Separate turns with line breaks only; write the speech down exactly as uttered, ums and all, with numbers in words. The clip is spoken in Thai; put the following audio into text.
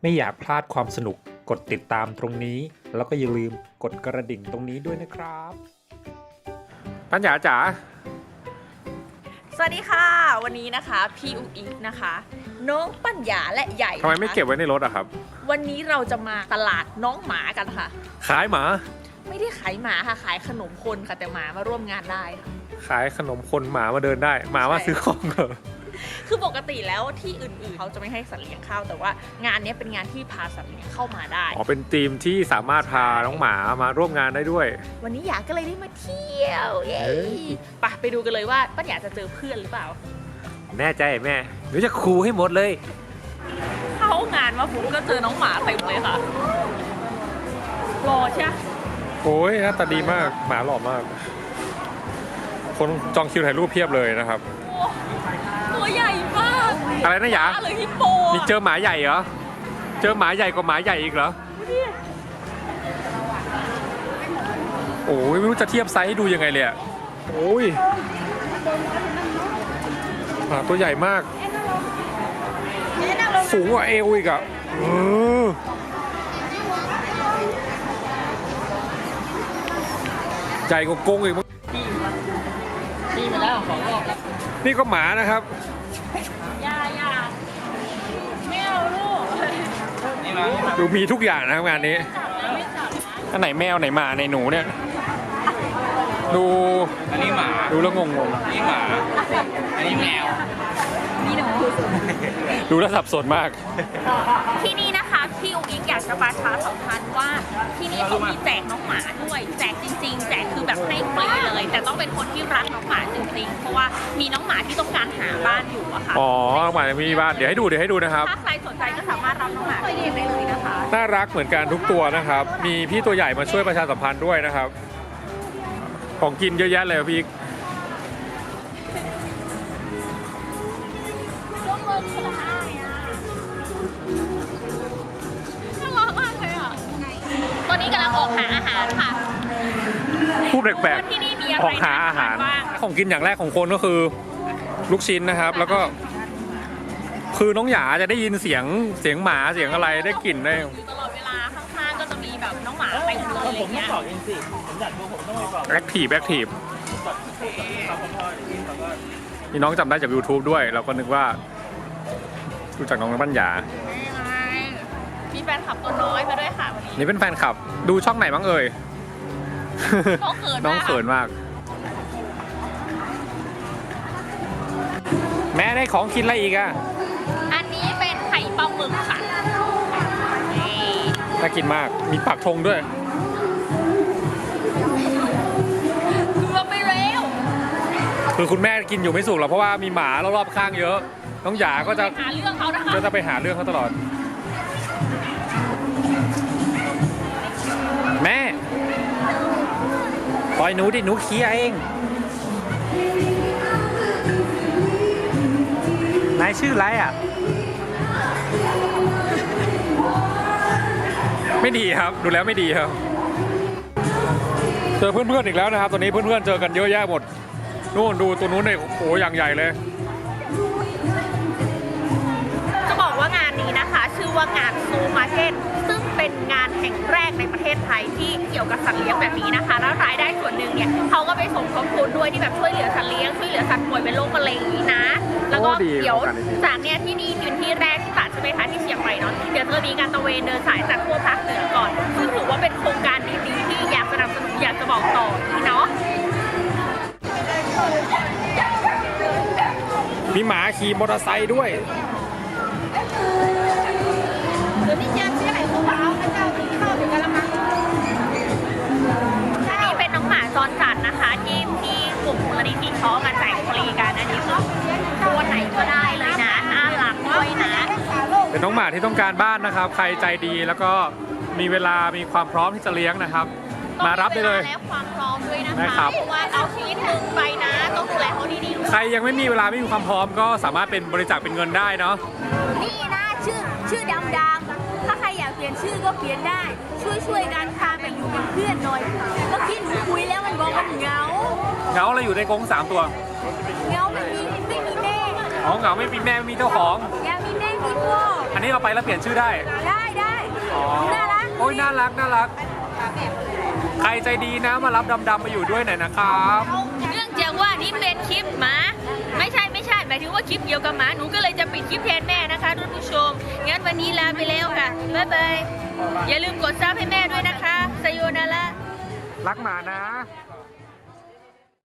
ไม่อยากพลาดความสนุกกดติดตามตรงนี้แล้วก็อย่าลืมกดกระดิ่งตรงนี้ด้วยนะครับปัญญาจ๋า
สวัสดีค่ะวันนี้นะคะพี่อุ๋อีกนะคะน้องปัญญาและใหญ่
ทำไมไม่เก็บไว้ในรถอะครับ
วันนี้เราจะมาตลาดน้องหมากันค่ะ
ขายหมา
ไม่ได้ขายหมาค่ะขายขนมคนค่ะแต่หมามาร่วมงานได้ค่ะ
ขายขนมคนหมามาเดินได้หมามาซื้อของเหรอ
คือปกติแล้วที่อื่นๆเขาจะไม่ให้สัตว์เลี้ยงเข้าแต่ว่างานนี้เป็นงานที่พาสัตว์เลี้ยงเข้ามาได้
อ๋อเป็นทีมที่สามารถพาน้องหมามาร่วมงานได้ด้วย
วันนี้อยากก็เลยได้มาเที่ยวเย้ไปไปดูกันเลยว่าป้าอยากจะเจอเพื่อนหรือเปล่า
แน่ใจแม่หนูจะคูให้หมดเลย
เข้างานมาผมก็เจอน้องหมาเต็มเลยค่ะรอใช่
โอ้ยหน้าตาดีมากหมาหล่อมากคนจองคิวถ่ายรูปเพียบเลยนะครับ
ตัวใหญ่มาก
อะไรนะหยา
เลยฮิปโป
มีเจอหมาใหญ่เหรอเจอหมาใหญ่กว่าหมาใหญ่อีกเหรอโอ้ยไม่รู้จะเทียบไซส์ให้ดูยังไงเลยอ่ะโอ้ยหมาตัวใหญ่มากสูงกว่าเอวอีกอ่ะเออใหญ่กว่ากงอีกมั้ง
นี่มาแล้วของออกแล้ว
นี่ก็หมานะครับ
ยายาไม่เอาลูก
ดูมีทุกอย่างนะครับงานนี้อันไหนแมวไหนหมาไหนหนูเนี่ยดู
อันนี้หมา
ดูแล้วงงง
อันนี้หมาอันนี้แมว
นี่หนู
ดูแล้วสับสนมาก
ที่นี่นะคะพี่อุ๊กอิ๊กอยากจะประชาสัมพันธ์ว่าที่นี่เขามีแจกน้องหมาด้วยแจกจริงๆแจกคือแบบให้ฟรีเลยแต่ต้องเป็นคนที่รักน้องหมาจริงๆเพราะว่ามีน้องหมาที่ต้องการหาบ้านอยู่อะค่ะ
อ๋อน้องหมามีบ้านเดี๋ยวให้ดูเดี๋ยวให้ดูนะครับ
ถ้าใครสนใจก็สามารถรับน้องหมาไปเลี้ยงได้เลยนะคะ
น่ารักเหมือนกันทุกตัวนะครับมีพี่ตัวใหญ่มาช่วยประชาสัมพันธ์ด้วยนะครับของกินเยอะแยะเลยพี่
ตอนนี้กำลังออกหาอาหารค่ะ
พูดแปลกๆออกหาอาหารของกินอย่างแรกของคนก็คือลูกชิ้นนะครับแล้วก็คือน้องหยาจะได้ยินเสียงเสียงหมาเสียงอะไรได้กลิ่นได้
ตลอดเวลาข้างๆก็จะมีแบบน้องหมาเต็มเลยอะไรเงี้ย
แอคทีฟแอคทีฟนี่น้องจำได้จาก ยูทูบ ด้วยเราก็นึกว่ารู้จักน้องปัญญา
มีแฟนคลับตัวน้อยมาด้วยค่ะวันนี้
นี่เป็นแฟนคลับดูช่องไหนบ้างเอ่ย
น้องเขิน
น้องเขินมากแม่ได้ของกินอะไรอีกอ่ะ
อันนี้เป็นไข่ปลาหมึกค่ะ
น่ากินมากมีปักธงด้วย
คือว่าไม่เร็ว
คือคุณแม่กินอยู่ไม่สุกหรอกเพราะว่ามีหมารอบๆข้างเยอะน้องหยาก็จะ
หาเรื่องเขานะคะ
ก็จะไปหาเรื่องเขาตลอดแม่ปล่อยหนูดิหนูเคี้ยเองนายชื่ออะไรอ่ะไม่ดีครับดูแล้วไม่ดีครับเจอเพื่อนๆอีกแล้วนะครับตอนนี้เพื่อนๆเจอกันเยอะแยะหมดนู่นดูตัวนู้นเนี่ยโอ้อย่างใหญ่เลย
จะบอกว่างานนี้นะคะชื่อว่างานซูมาร์เก็ตซึ่งเป็นงานแห่งแรกในประเทศไทยที่เกี่ยวกับสัตว์เลี้ยงแบบนี้นะคะแล้วรายได้ส่วนหนึ่งเนี่ยเขาก็ไปสมทบทุนด้วยที่แบบช่วยเหลือสัตว์เลี้ยงช่วยเหลือสัตว์ป่วยเป็นโรคมะเร็งนี้นะแล้วก็เดี๋ยวจากเนี่ยที่นี่เป็นที่แรกที่ตัดใช่ไหมคะที่เชียงใหม่เนาะเดี๋ยวจะมีการตระเวนเดินสายจากทั่วภาคเหนือก่อนซึ่งถือว่าเป็นโครงการดีๆที่อยากสนับสนุนอยากจะบอกต่อที่เนาะ
มีหมาขี่มอเตอร์ไซค์ด้วย
เดี๋ยวนี้ยังเชื่อไหนเขาเอาพระเจ้าที่เข้าถึงกันละมั้งอันนี้เป็นน้องหมาจรจัดนะคะที่ที่กลุ่มมูลนิธิเขามาแจกฟรีกันอันนี้คือตัวไหนก็ได้เลยนะน่ารักด้วยนะ
เป็นน้องหมาที่ต้องการบ้านนะครับใครใจดีแล้วก็มีเวลามีความพร้อมที่จะเลี้ยงนะครับมารับได้เลย
และความพร้อมด้วยนะคะเพราะว่าเอาชีวิตหนึ่งไปนะต้องดูแลเขาดี
ๆใครยังไม่มีเวลาไม่มีความพร้อมก็สามารถเป็นบริจาคเป็นเงินได้เนาะ
นี่นะชื่อชื่อดำๆถ้าใครอยากเปลี่ยนชื่อก็เปลี่ยนได้ช่วยช่วยกันพาไปอยู่เป็นเพื่อนหน่อยเมื่อกี้หนูคุยแล้วมันบอกมันเหงา
เหงาเราอยู่ในกรงสามตัว
เหงาไม่มีไม่มีแม่
อ๋อเหงาไม่มีแม่ไม่มีเจ้าของ
อยากมีแม่มีพ่อ
อันนี้เอาไปแล้วเปลี่ยนชื่อได้
ได้ได้
อ๋อ
น่ารัก
โอ้ยน่ารักน่ารัก ใครใจดีนะมารับดำๆมาอยู่ด้วยหน่อยนะครับ
เนื่องจากว่านี่เป็นคลิปหมาไม่ใช่ไม่ใช่หมายถึงว่าคลิปเกี่ยวกับหมาหนูก็เลยจะปิดคลิปแทนแม่นะคะท่านผู้ชมงั้นวันนี้ลาไปแล้วค่ะบ๊ายบายอย่าลืมกดซับให้แม่ด้วยนะคะไซโยนาระ
รักหมานะ